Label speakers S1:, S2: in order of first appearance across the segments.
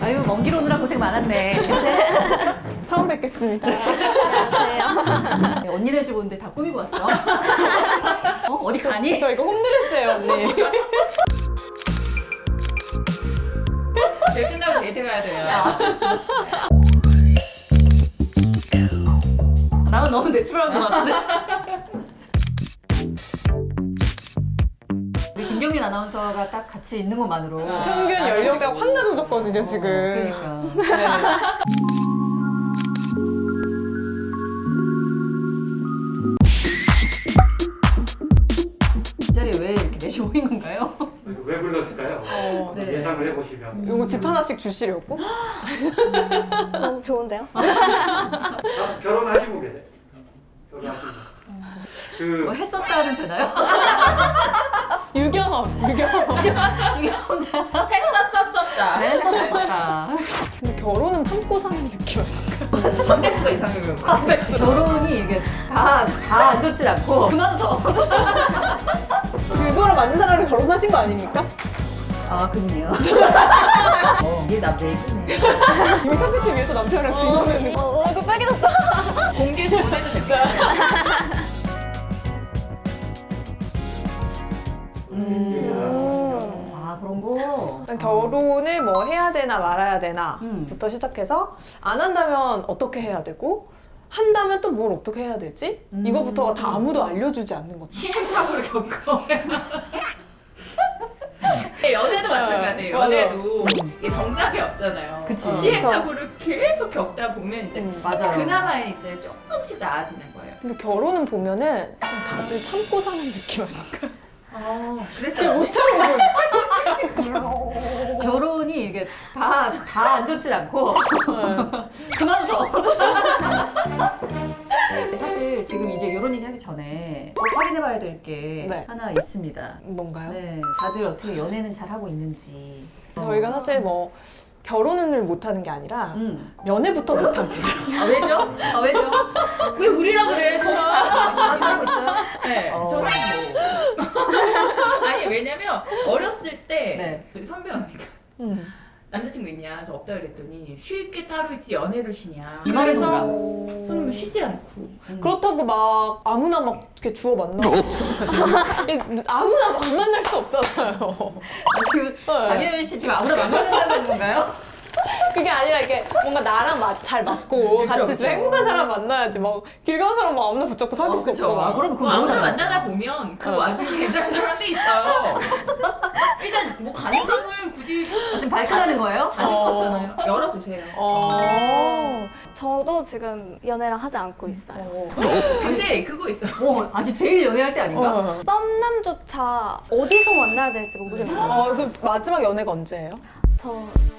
S1: 아유, 먼 길 오느라 고생 많았네.
S2: 처음 뵙겠습니다.
S3: 안녕하세요.
S1: 네, 언니네 집 오는데 다 꾸미고 왔어. 어디 가니?
S2: 저 이거 홈드레스예요, 언니.
S4: 일 끝나고 데이트 가야 돼요.
S1: 나는 너무 내추럴한 것 같은데. 우리 김경민 아나운서가 딱 같이 있는 것만으로
S2: 평균 연령대가 확 낮아졌거든요, 지금.
S1: 그러니까.
S2: 네.
S1: 이 자리에 왜 이렇게 넷이 모인 건가요?
S5: 왜 불렀을까요?
S1: 네.
S5: 예상을 해보시면
S2: 요거 집 하나씩 주시려고?
S3: 너무 좋은데요?
S5: 결혼하시고 계세요. 결혼하시고
S1: 뭐 했었다는 되나요?
S2: 유경험.
S1: 이게 혼자
S4: 했었었었다.
S1: 했었다.
S2: 근데 결혼은 참고 사는 느낌 아닐까?
S4: 관객수가 이상해요.
S1: 결혼이 이게 다 안 좋진 않고 그만서.
S2: 그거랑 맞는 사람을 결혼하신 거 아닙니까?
S1: 아, 그분이요.
S4: 이게 나 얘기네.
S2: 이미 카페트 위에서 남편이랑 뒤노는
S3: 얼굴 빨개졌다.
S4: 공개해서 보내도 됩니다.
S1: 아, 그런 거.
S2: 일단 결혼을 뭐 해야 되나 말아야 되나
S1: 음.
S2: 부터 시작해서 안 한다면 어떻게 해야 되고 한다면 또 뭘 어떻게 해야 되지? 이거부터가 다 아무도 알려주지 않는 거죠.
S4: 시행착오를 겪어. 연애도 마찬가지예요.
S2: 맞아.
S4: 연애도 이게 정답이 없잖아요.
S1: 그치.
S4: 시행착오를 계속 겪다 보면 이제
S1: 맞아요.
S4: 그나마 이제 조금씩 나아지는 거예요.
S2: 근데 결혼은 보면은 그냥 다들 참고 사는 느낌 아닐까?
S4: 그랬어요.
S2: 못 참고
S1: 결혼이 이게 다 안 좋진 않고 그만서. 사실 지금 이제 이런 얘기 하기 전에 확인해봐야 될 게
S2: 네.
S1: 하나 있습니다.
S2: 뭔가요?
S1: 네, 다들 어떻게 연애는 잘 하고 있는지.
S2: 저희가 사실 뭐 결혼을 못하는 게 아니라 연애부터 못합니다.
S1: 아, 왜죠? 아, 왜죠?
S4: 왜 우리라 그래? 저는
S1: 다 살고 있어요?
S4: 네,
S1: 어.
S4: 저는 뭐. 아니, 왜냐면 어렸을 때
S1: 네.
S4: 저기 선배 언니가 남자친구 있냐? 저 없다 그랬더니 쉴 게 따로 있지 연애를 쉬냐.
S1: 이 말이
S4: 그래서
S1: 뭔가?
S4: 저는 뭐 쉬지 않고.
S2: 그렇다고 막 아무나 막 이렇게 주워 만나고 아무나 막 만날 수 없잖아요.
S1: 지금 장혜연 씨 지금 아무나 만나는 건가요?
S2: 그게 아니라 이게 뭔가 나랑 잘 맞고
S1: 그쵸,
S2: 같이
S1: 그쵸.
S2: 좀 행복한 사람 만나야지 막 길 가는 사람 막 아무나 붙잡고 사귈 수
S1: 그쵸.
S2: 없잖아.
S1: 아, 그럼
S4: 뭐 아무나 만나다 보면 그 와중에 괜찮은 사람도 있어요. 일단 뭐 가능성을 굳이
S1: 지금 발표하는 거예요?
S4: 다닐 거 없잖아요. 열어주세요.
S3: 저도 지금 연애랑 하지 않고 있어요.
S4: 근데 그거 있어요.
S1: 아직 제일 연애할 때 아닌가?
S3: 썸남조차 어디서 만나야 될지 모르겠어요.
S2: 그 마지막 연애가 언제예요?
S3: 저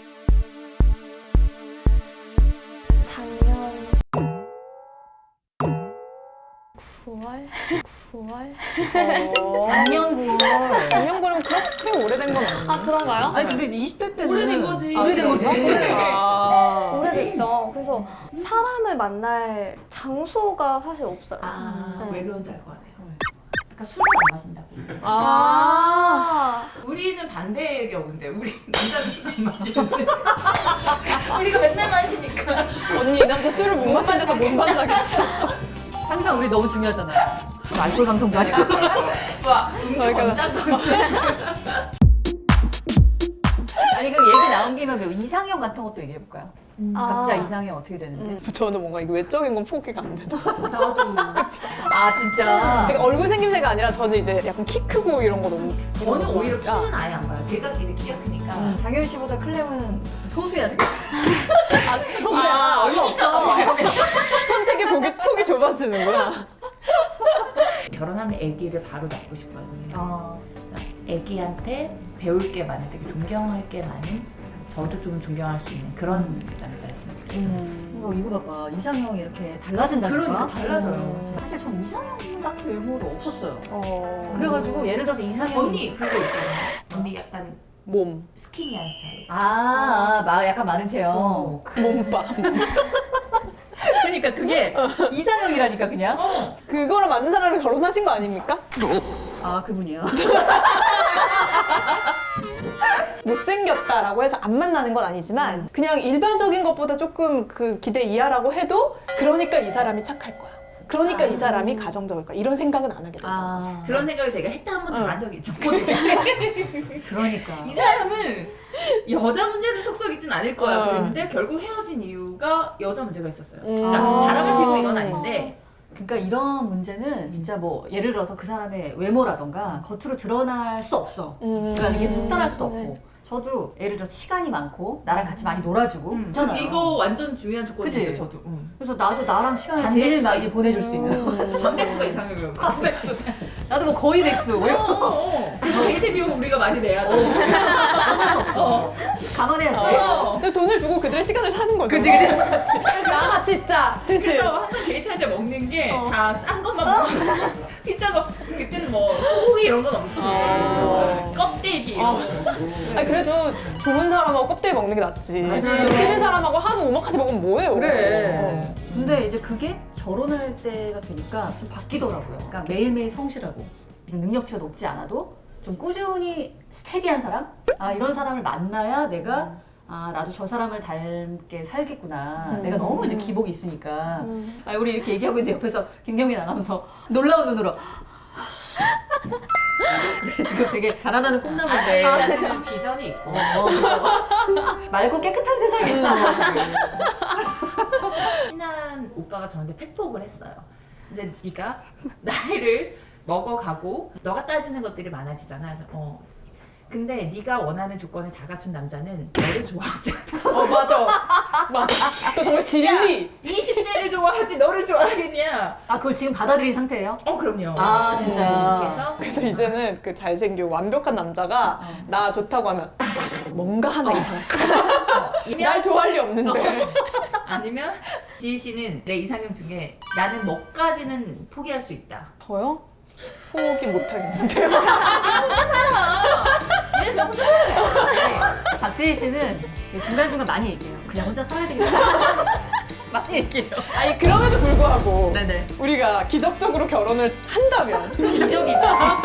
S3: 작년 9월? 9월?
S1: 작년 9월.
S2: 작년 그러면 그렇게 오래된 건 아니에요?
S3: 아, 그런가요?
S1: 아니 근데 20대 때는
S4: 오래된 거지.
S1: 오래된 거지.
S3: 오래됐죠. 그래서 사람을 만날 장소가 사실 없어요.
S4: 왜 그런지 알 것 같아요. 그러니까 술을 안 마신다고.
S3: 아,
S4: 우리는 반대의 경우인데 우리 남자는 술 안 마시는데 우리가 맨날 마시니까
S2: 언니 이 남자 술을 못 마신 데서 못 만나겠어.
S1: 항상 우리 너무 중요하잖아요. 알코올 방송도 하시고.
S4: 와
S2: 저희가-
S1: 아니 그럼 얘기 나온 김에 뭐 이상형 같은 것도 얘기해 볼까요? 각자
S3: 아.
S1: 이상형 어떻게 되는지.
S2: 저는 뭔가 이게 외적인 건 포기가 안 되더라고요.
S4: 나도
S1: 아 진짜.
S2: 제가 얼굴 생김새가 아니라 저는 이제 약간 키 크고 이런 거 너무
S4: 저는 오히려
S2: 좋아하니까.
S4: 키는 아예 안 봐요. 제가 이제 키가 크니까
S1: 장현 씨보다 클레오는 소수야 지금.
S2: 소수야.
S1: 얼마 없어.
S2: 선택의 폭이 좁아지는구나.
S4: 결혼하면 아기를 바로 낳고 싶거든요.
S1: 아,
S4: 아기한테 배울 게 많은, 되게 존경할 게 많은, 저도 좀 존경할 수 있는 그런 남자였으면 좋겠어요.
S1: 이거 봐봐. 이상형이 이렇게 달라진다니까.
S4: 그러니까 달라져요.
S1: 사실 전 이상형 딱히 외모로 없었어요.
S2: 어.
S1: 그래가지고 예를 들어서 이상형
S4: 언니 그거 있잖아요. 언니 약간
S2: 몸.
S4: 스키니한 스타일.
S1: 약간 마른 체형.
S2: 몸빵.
S1: 그러니까 그게 이상형이라니까 그냥.
S2: 그거랑 맞는 사람을 결혼하신 거 아닙니까?
S1: 아 그분이요.
S2: 못생겼다라고 해서 안 만나는 건 아니지만 그냥 일반적인 것보다 조금 그 기대 이하라고 해도 그러니까 이 사람이 착할 거야. 그러니까 이 사람이 가정적일 거야. 이런 생각은 안 하게 된다는 거죠.
S4: 그런 생각을 제가 했다 한 번도 한 적이 있죠.
S1: 그러니까.
S4: 이 사람은 여자 문제를 속썩이진 않을 거야
S2: 어.
S4: 그랬는데 결국 헤어진 이유가 여자 문제가 있었어요.
S2: 음.
S4: 그러니까 바람을 피고 이건 아닌데
S1: 그러니까 이런 문제는 진짜 뭐 예를 들어서 그 사람의 외모라던가 겉으로 드러날 수 없어. 그러니까 이게 속단할 수도
S3: 네.
S1: 없고. 저도 예를 들어서 시간이 많고 나랑 같이 많이 놀아주고 있잖아요.
S4: 이거 완전 중요한 조건이죠.
S1: 그치?
S4: 저도.
S1: 그래서 나도 나랑 시간을
S4: 반백수
S1: 제일 많이 보내줄 수 있는.
S4: 반백수가 이상형이에요. 반백수.
S1: 나도 뭐 거의 백수. 왜?
S4: 그래서 데이트 비용 우리가 많이 내야 돼.
S1: 어쩔 수 없어. 감안해야지.
S2: 근데 돈을 주고 그들의 시간을 사는 거죠.
S1: 그치, 그치.
S2: 나 진짜. 그치.
S4: 그래서 항상 데이트할 때 먹는 게 다 싼 것만 먹고 비싼 거 그때는 뭐 소고기 이런 건 없고 껍데기 이런 거.
S2: 아니 그래도 좋은 사람하고 껍데기 먹는 게 낫지.
S1: 맞아요.
S2: 진짜 싫은 사람하고 한우 오마카세 먹으면 뭐예요?
S1: 그래. 근데 이제 그게 결혼할 때가 되니까 좀 바뀌더라고요. 그러니까 매일매일 성실하고 지금 능력치가 높지 않아도 좀 꾸준히 스테디한 사람? 아 이런 사람을 만나야 내가 아 나도 저 사람을 닮게 살겠구나. 내가 너무 이제 기복이 있으니까. 아 우리 이렇게 얘기하고 있는데 옆에서 김경민 아나운서 놀라운 눈으로. 지금 되게 자라나는 꿈나무인데
S4: 그런 비전이 있고.
S1: 맑고 깨끗한 세상에.
S4: 친한 오빠가 저한테 팩폭을 했어요. 이제 네가 나이를 먹어가고 너가 따지는 것들이 많아지잖아. 그래서 근데 네가 원하는 조건을 다 갖춘 남자는 너를 좋아하지 않아.
S2: 맞아. 맞아. 그 정말 진리.
S4: 20대를 좋아하지 너를 좋아하겠냐?
S1: 아 그걸 지금 받아들인 상태예요?
S4: 그럼요.
S1: 아 진짜.
S4: 그래서
S2: 그래서 이제는 그 잘생기고 완벽한 남자가 나 좋다고 하면 뭔가 하나 이상할 거야. 날 좋아할 리 없는데.
S4: 아니면 지희 씨는 내 이상형 중에 나는 뭐까지는 포기할 수 있다.
S2: 저요? 포기 못하겠는데.
S4: 얘는 혼자 살아요.
S1: 박지희 씨는 중간중간 많이 얘기해요. 그냥 혼자 살아야 되겠다. 많이 얘기해요.
S2: 아니 그럼에도 불구하고
S1: 네네.
S2: 우리가 기적적으로 결혼을 한다면
S4: 기적이죠.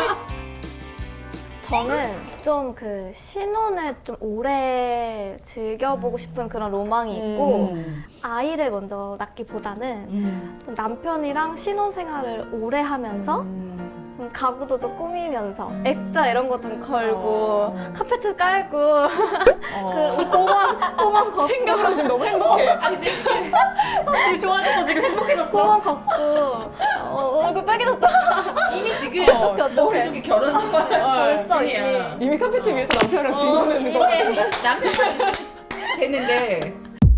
S3: 저는 좀 그 신혼을 좀 오래 즐겨보고 싶은 그런 로망이 있고 아이를 먼저 낳기보다는 좀 남편이랑 신혼생활을 오래 하면서 가구도 좀 꾸미면서 액자 이런 거 좀 걸고 카페트 깔고 그 공원 걷고
S2: 생각으로 지금 너무 행복해.
S1: 지금 좋아졌어. 지금 행복해졌어.
S3: 공원 걷고 얼굴 빨개졌다.
S4: 이미 지금
S3: 어떡해.
S4: 머릿속에 결혼 생활
S3: 벌써
S4: 중이야.
S2: 이미 카페트 위에서 남편이랑 뒹구는 거.
S4: 남편만 있으면 되는데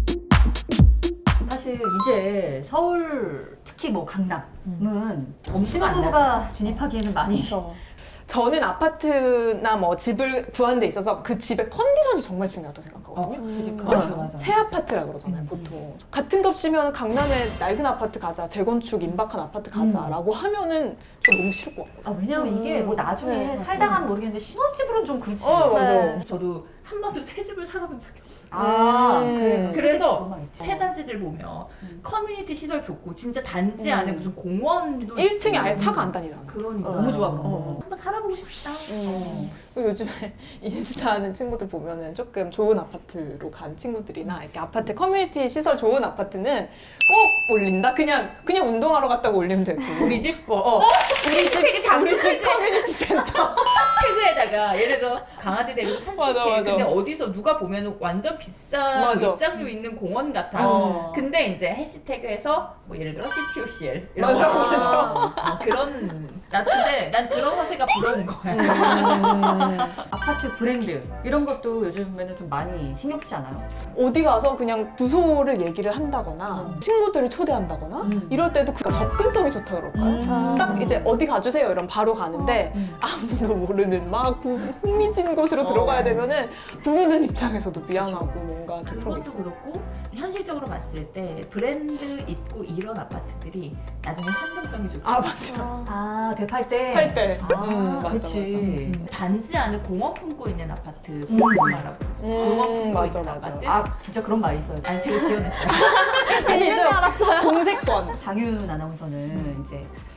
S1: 사실 이제 서울 특히 뭐 강남은 신혼부부가 진입하기에는 많이
S2: 저는 아파트나 뭐 집을 구하는 데 있어서 그 집의 컨디션이 정말 중요하다고 생각하거든요.
S4: 맞아.
S2: 새 아파트라 그러잖아요, 보통. 같은 값이면 강남에 낡은 아파트 가자, 재건축 임박한 아파트 가자라고 하면은 좀 너무 싫을 것 같거든요.
S1: 아 왜냐면 이게 뭐 나중에
S3: 네.
S1: 살다가는 모르겠는데 신혼집으로는 좀 그렇지.
S2: 맞아.
S3: 네.
S4: 저도 한 번도 새 집을 살아본 적이 없어요.
S1: 아
S2: 음.
S1: 그래.
S4: 그래서
S1: 그런 말 있지.
S4: 새 단지들 보면 커뮤니티 시설 좋고 진짜 단지 안에 무슨 공원도
S2: 1층에
S4: 있고.
S2: 아예 차가 안 다니잖아.
S4: 그러니까
S1: 너무 좋아 그런 거.
S4: 한번 살아보고 싶다.
S2: 그리고 요즘에 인스타 하는 친구들 보면은 조금 좋은 아파트로 간 친구들이나 이렇게 아파트 커뮤니티 시설 좋은 아파트는 꼭 올린다? 그냥 운동하러 갔다가 올리면 되고.
S1: 우리 집?
S4: 우리 되게
S2: 우리 집 커뮤니티 센터.
S4: 태그에다가 예를 들어 강아지 데리고 산책해.
S2: 맞아, 맞아.
S4: 근데 어디서 누가 보면 완전 비싼
S2: 맞아.
S4: 입장료 있는 공원 같아. 근데 이제 해시태그에서 뭐 예를 들어 CTOCL 이런
S2: 맞아,
S4: 거.
S2: 맞아.
S4: 그런 근데 난 그런 허세가 부러운 거야.
S1: 아파트 브랜드 이런 것도 요즘에는 좀 많이 신경 쓰지 않아요?
S2: 어디 가서 그냥 주소를 얘기를 한다거나 친구들을 초대한다거나 이럴 때도 그 접근성이 좋다 그럴까요? 딱 이제 어디 가주세요 이러면 바로 가는데 아무도 모르는 막 흥미진 곳으로 들어가야 되면은 부르는 입장에서도 미안하고 뭔가 좀 그런 게
S4: 그것도
S2: 있어요.
S4: 그렇고 현실적으로 봤을 때 브랜드 있고 이런 아파트들이 나중에 환경성이 좋지.
S2: 아 맞아.
S1: 아 대팔 때?
S2: 할 때.
S1: 아
S2: 맞아,
S1: 그렇지.
S4: 단지 안에 공원 품고 있는 아파트 공원마라고 그러죠. 공원 품고
S2: 맞아,
S4: 있는
S2: 맞아.
S4: 아파트.
S1: 아 진짜 그런 말이 있어요.
S4: 아니 제가 지어냈어요.
S2: 아니 있어요. 공세권.
S1: 장윤 아나운서는 이제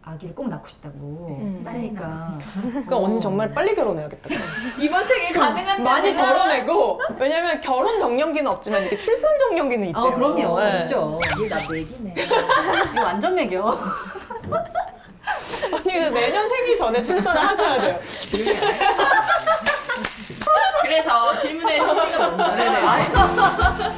S1: 아기를 꼭 낳고 싶다고 했으니까.
S2: 그러니까 언니 정말 빨리 결혼해야겠다.
S4: 이번 생에 가능한
S2: 많이 덜어내고 왜냐면 결혼 정년기는 없지만 이렇게 출산 정년기는 있대요.
S1: 그럼요.
S2: 네.
S1: 있죠.
S4: 나 얘기네.
S1: 이거 완전 매겨.
S2: 언니 그래서 내년 생일 전에 출산을 하셔야 돼요.
S4: 그래서 질문의 취지가 뭔가
S1: 네네.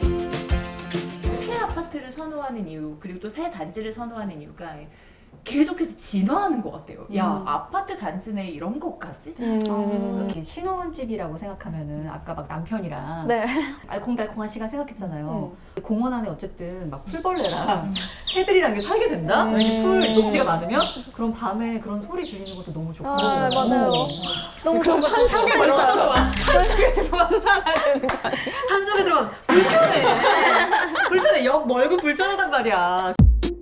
S4: 새 아파트를 선호하는 이유 그리고 또 새 단지를 선호하는 이유가 계속해서 진화하는 것 같아요. 야 아파트 단지 내 이런 것까지?
S1: 이렇게 신혼집이라고 생각하면은 아까 막 남편이랑
S3: 네.
S1: 알콩달콩한 시간 생각했잖아요. 공원 안에 어쨌든 막 풀벌레랑 새들이랑 이렇게 살게 된다? 왜냐면 풀 녹지가 많으면 그럼 밤에 그런 소리 줄이는 것도 너무 좋고.
S3: 아, 맞아요. 너무
S2: 그럼 산속에 들어가서 산속에 들어가서 살아야 되는 거 아니야?
S1: 산속에 들어가면 불편해. 불편해. 역 멀고 불편하단 말이야.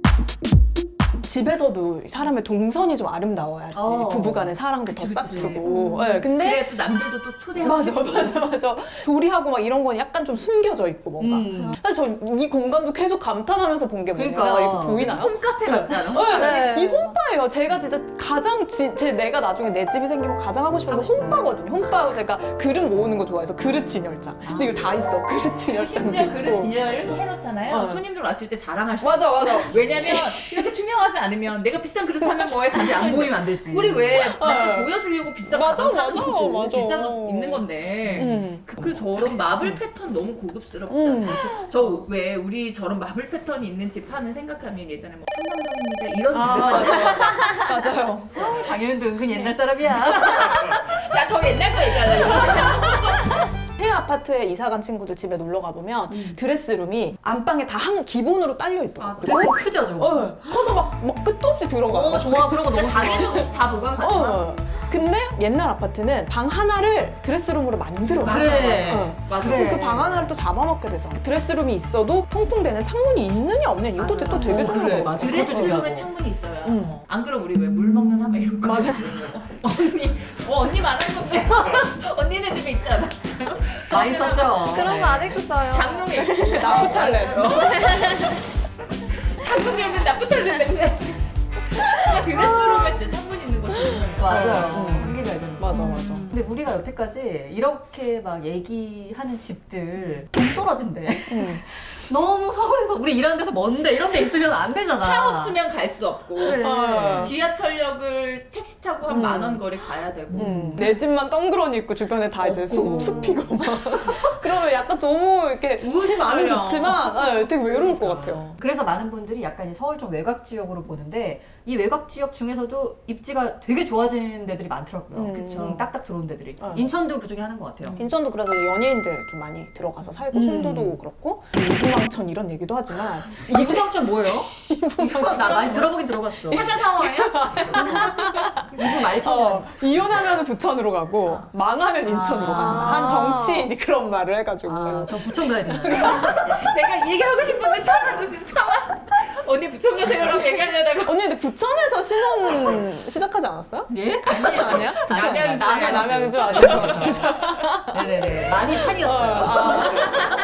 S2: 집에서도 사람의 동선이 좀 아름다워야지 부부간의 사랑도 더
S4: 그치, 그치.
S2: 싹트고. 네, 근데
S4: 그래 또 남들도 또 초대하고
S2: 맞아. 조리하고 막 이런 건 약간 좀 숨겨져 있고 뭔가. 사실 저 이 공간도 계속 감탄하면서 본 게 뭐냐면
S1: 그러니까.
S2: 이거 보이나요?
S4: 홈카페 같지 않아?
S2: 네.
S3: 네.
S2: 이 홈바예요. 제가 진짜 가장 내가 나중에 내 집이 생기면 가장 하고 싶은 게 홈바거든요. 홈바고 제가 그릇 모으는 거 좋아해서 그릇 진열장. 근데 이거 다 있어. 그릇 진열장도
S4: 심지어 그릇
S2: 있고.
S4: 진열 이렇게 해놓잖아요.
S2: 어.
S4: 손님들 왔을 때 자랑할 수
S2: 맞아.
S4: 왜냐면 이렇게 투명하지 않으면 내가 비싼 그릇 사면 뭐해 다시 안 보이면 안 되지. 우리 왜 나한테 보여주려고 비싼
S2: 맞아,
S4: 가방
S2: 맞아,
S4: 사는 거고
S2: 맞아.
S4: 비싼 거 입는 건데 그 저런 마블 패턴 너무 고급스럽지 않아요? 저 왜 우리 저런 마블 패턴이 있는 집 하는 생각하면 예전에 뭐 청담동입니다 이런
S2: 맞아요.
S1: 장현도 은근 옛날 사람이야.
S4: 야더 옛날 거 얘기하려고.
S2: 새 아파트에 이사 간 친구들 집에 놀러 가보면 드레스룸이 안방에 다 기본으로 딸려 있더라고요.
S1: 드레스 크죠, 저거?
S2: 커서 막 끝도 없이 들어가.
S1: 좋아. 그런 거 너무 좋아.
S4: 자기는 혹시 다 보관 가능한?
S2: 근데 옛날 아파트는 방 하나를 드레스룸으로 만들어.
S1: 그래.
S4: 맞아.
S1: 그래.
S2: 그 방 하나를 또 잡아먹게 돼서 드레스룸이 있어도 통풍되는 창문이 있느냐 없느냐 이것도
S4: 맞아.
S2: 또 되게
S1: 그래,
S2: 중요하더라고요.
S1: 맞아.
S4: 드레스룸에
S1: 중요하고.
S4: 창문이 있어야.
S2: 응.
S4: 안 그럼 우리 왜 물 먹는 하마 이런 거.
S2: 맞아.
S4: 언니 말하는 건데. 언니네 집에 있지 않았어요?
S1: 많이 썼죠.
S3: 그런 거 아직도 써요.
S4: 장롱에
S2: 그 나프탈렌.
S4: 창문 열면 나쁘탈렌 냄새. 그러니까 드레스룸에 진짜 창문 있는 거지.
S1: 맞아요. 한계가 있는 거.
S2: 맞아.
S1: 근데 우리가 여태까지 이렇게 막 얘기하는 집들 돈 떨어진대. 너무 서울에서 우리 일하는 데서 먼데 이런 데 있으면 안 되잖아.
S4: 차 없으면 갈 수 없고
S1: 그래.
S4: 지하철역을 택시 타고 한 10,000원 거리 가야 되고
S2: 내 집만 덩그러니 있고 주변에 다 이제 숲이고 막 그러면 약간 너무 이렇게 집 안은
S4: 우울해요.
S2: 좋지만 되게 외로울 것 같아요.
S1: 그래서 많은 분들이 약간 이 서울 좀 외곽 지역으로 보는데 이 외곽 지역 중에서도 입지가 되게 좋아진 데들이 많더라고요.
S2: 그쵸.
S1: 딱딱 들어온 데들이.
S2: 어.
S1: 인천도 그 중에 하는 것 같아요.
S2: 인천도 그래서 연예인들 좀 많이 들어가서 살고 송도도 그렇고 이구망천 이런 얘기도 하지만
S1: 이구망천 뭐예요? 나 많이 들어보긴 들어봤어.
S4: 사자 상어예요?
S1: 이구 말천.
S2: 이혼하면 부천으로 가고 망하면 인천으로 간다. 한 정치인이 그런 말을 해가지고
S1: 아, 저 부천 가야 되나?
S4: 내가 이 얘기 하고 싶은데 참아서 진짜 참아. 언니 부천 가세요라고 얘기하려다가
S2: 언니 근데 부천에서 신혼 시작하지 않았어요?
S1: 예?
S2: 아니야? 부천
S4: 남양주.
S2: 남양주 죄송합니다.
S1: 네네네. 많이 산이었어요.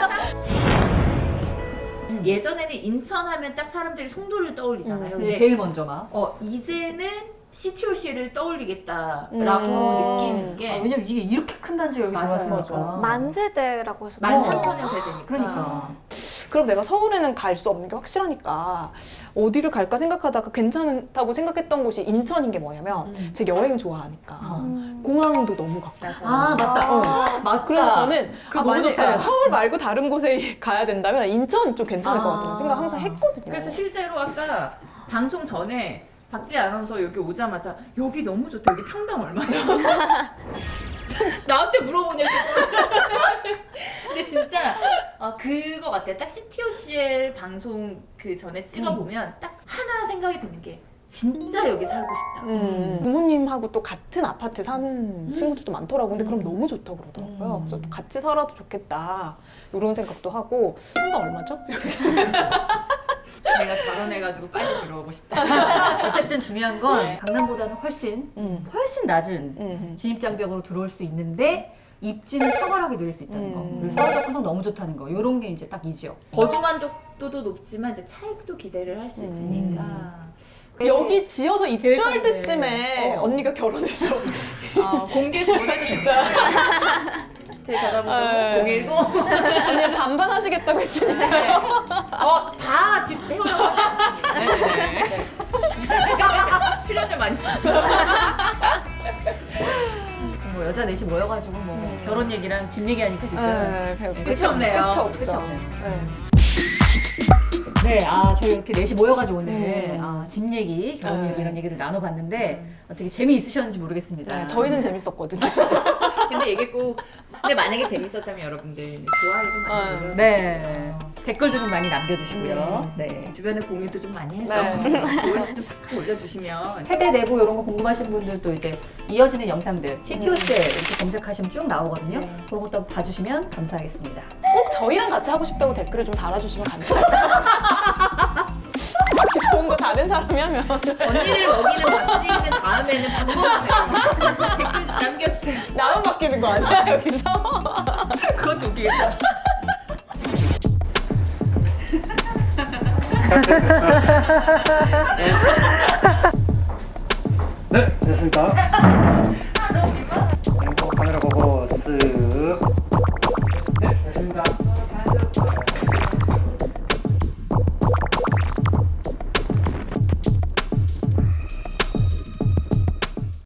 S4: 예전에는 인천 하면 딱 사람들이 송도를 떠올리잖아요. 근데
S1: 제일 먼저 막.
S4: 이제는 CTOC를 떠올리겠다라고 느끼는 게
S1: 왜냐면 이게 이렇게 큰 단지가 여기
S4: 맞아요.
S1: 들어왔으니까.
S3: 만세대라고 해서
S4: 13,000년 세대니까.
S1: 그러니까.
S2: 그럼 내가 서울에는 갈 수 없는 게 확실하니까 어디를 갈까 생각하다가 괜찮다고 생각했던 곳이 인천인 게 뭐냐면 제가 여행 좋아하니까 공항도 너무 가깝고
S1: 아 맞다. 맞다.
S2: 그래서 저는
S1: 그거 너무
S2: 만약에
S1: 좋다.
S2: 서울 말고 다른 곳에 가야 된다면 인천 좀 괜찮을 것 같다는 생각 항상 했거든요.
S4: 그래서 실제로 아까 방송 전에 박지희 아나운서 여기 오자마자 여기 너무 좋다. 여기 평당 얼마냐? 나한테 물어보냐고. 근데 진짜 그거 같아요. 딱 CTOCL 방송 그 전에 찍어보면 딱 하나 생각이 드는 게 진짜 여기 살고 싶다.
S2: 부모님하고 또 같은 아파트 사는 친구들도 많더라고. 근데 그럼 너무 좋다고 그러더라고요. 그래서 또 같이 살아도 좋겠다. 이런 생각도 하고. 평당 얼마죠?
S4: 내가 결혼해가지고 빨리 들어오고 싶다.
S1: 어쨌든 중요한 건 강남보다는 훨씬 낮은 진입장벽으로 들어올 수 있는데 입지는 탁월하게 늘릴 수 있다는 거. 그리고 서울 접근성 너무 좋다는 거. 이런 게 이제 딱 이 지역.
S4: 거주 만족도도 높지만 이제 차익도 기대를 할 수 있으니까
S2: 여기 지어서 입주할
S1: 계획하는데.
S2: 때쯤에 언니가 결혼해서
S4: 공개해서 보내도 됩니다. 제 전화번호
S2: 네.
S4: 010.
S2: 언니 반반 하시겠다고 했으니까.
S4: 다 지금 해오라고 네. 출연료 많이 쓰죠.
S1: 뭐 여자 넷이 모여가지고 뭐 결혼 얘기랑 집 얘기하니까 진짜.
S2: 네,
S4: 끝이 없네요.
S2: 끝이
S1: 끝이
S2: 없어.
S1: 없네요.
S2: 네.
S1: 네, 저희 이렇게 넷이 모여가지고 오늘 집 얘기, 결혼
S2: 네.
S1: 얘기 이런 얘기들 나눠봤는데 어떻게 재미있으셨는지 모르겠습니다.
S2: 네, 저희는 재밌었거든요.
S4: 근데 이게 꼭 근데 만약에 재밌었다면 여러분들 좋아요도 많이 눌러주시고
S1: 네. 댓글도 좀 많이 남겨주시고요. 네.
S4: 주변에 공유도 좀 많이 해서
S2: 네.
S4: 좋은 좀 올려주시면
S1: 세대 내부 이런 거 궁금하신 분들도 이제 이어지는 영상들 CTOCL 이렇게 검색하시면 쭉 나오거든요. 그런 것도 한번 봐주시면 감사하겠습니다.
S2: 꼭 저희랑 같이 하고 싶다고 댓글을 좀 달아주시면 감사할게요. 좋은 거 다른 사람이 하면.
S4: 언니들 먹이는 맛집은 다음에는 방법하세요. 댓글 좀 남겨주세요.
S2: 나만 바뀌는 거 아니야, 여기서?
S1: 그것도 웃기겠다.
S5: 네, 됐습니다.